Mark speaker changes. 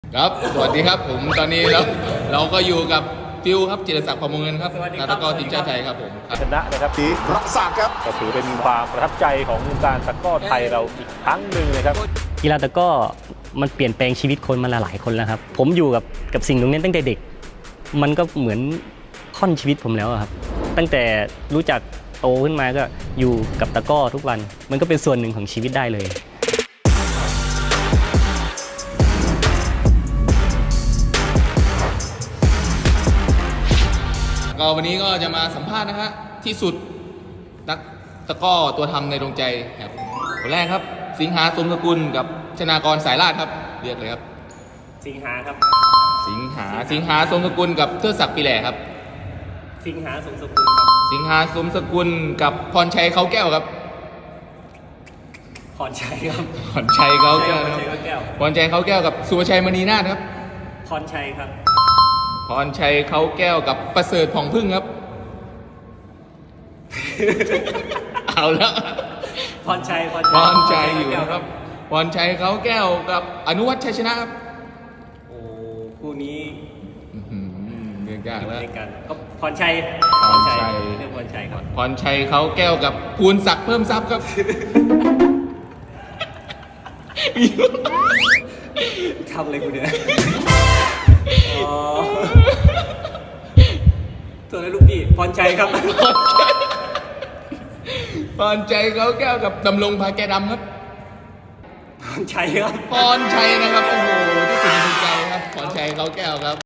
Speaker 1: ครับสวัสดีครับผมตอนนี้เราก็อยู่กับฟิวครับจิรศักดิ์พรหมเงินครับนักตะกร้อทีมชาติไทยครับผม
Speaker 2: ชนะนะครับที่
Speaker 3: รักษาครับ
Speaker 2: ก็ถือเป็นความประทับใจของวงการตะกร้อไทยเราอีกครั้งหนึ่งนะครับ
Speaker 4: กีฬาตะกร้อมันเปลี่ยนแปลงชีวิตคนมาหลายคนแล้วครับผมอยู่กับสิ่งตรงนี้ตั้งแต่เด็กมันก็เหมือนค่อนชีวิตผมแล้วครับตั้งแต่รู้จักโตขึ้นมาก็อยู่กับตะกร้อทุกวันมันก็เป็นส่วนหนึ่งของชีวิตได้เลย
Speaker 1: ก็วันนี้ก็จะมาสัมภาษณ์นะฮะที่สุดนักตะกร้อตัวทำในดวงใจครับคนแรกครับสิงหาสมสกุลกับชนากรสายลาดครับเรียกเลยครับ
Speaker 4: สิงหาครับ
Speaker 1: สิงหาสมสกุลกับเทิดศักดิ์ปีแหล่ครับ
Speaker 4: สิงหาสมสกุล
Speaker 1: สิงหาสมสกุลกับพรชัยเขาแก้วครับ
Speaker 4: พรชัยครับ
Speaker 1: พรชัยเขาแก้วครับพรชัยเขาแก้วกับสุภชัยมณีนาถครับ
Speaker 4: พรชัยครับ
Speaker 1: พรชัยเขาแก้วกับประเสริฐผ่องพึ่งครับ เอาแล้ว
Speaker 4: พรชัย
Speaker 1: อยู่ครับพรชัยเขาแก้วกับอนุวัฒน์ชัยชนะครับ
Speaker 4: โอ้คู่นี้
Speaker 1: เรื่องยากแล้ว
Speaker 4: ก็พรชัยเรื่องพรชัยครับ
Speaker 1: พรชัยเขาแก้วกับภูลศักดิ์เพิ่มทรัพย์ครับ
Speaker 4: ทำอะไรกูเนี่ยตัวนั้นลูกพี่พรชัยครับ
Speaker 1: พรชัยเขาแก้วกับดำรงพาแกดำครับ
Speaker 4: พรชัยครับ
Speaker 1: พรชัยนะครับโอ้โหที่สุดในใจครับพรชัยเขาแก้วครับ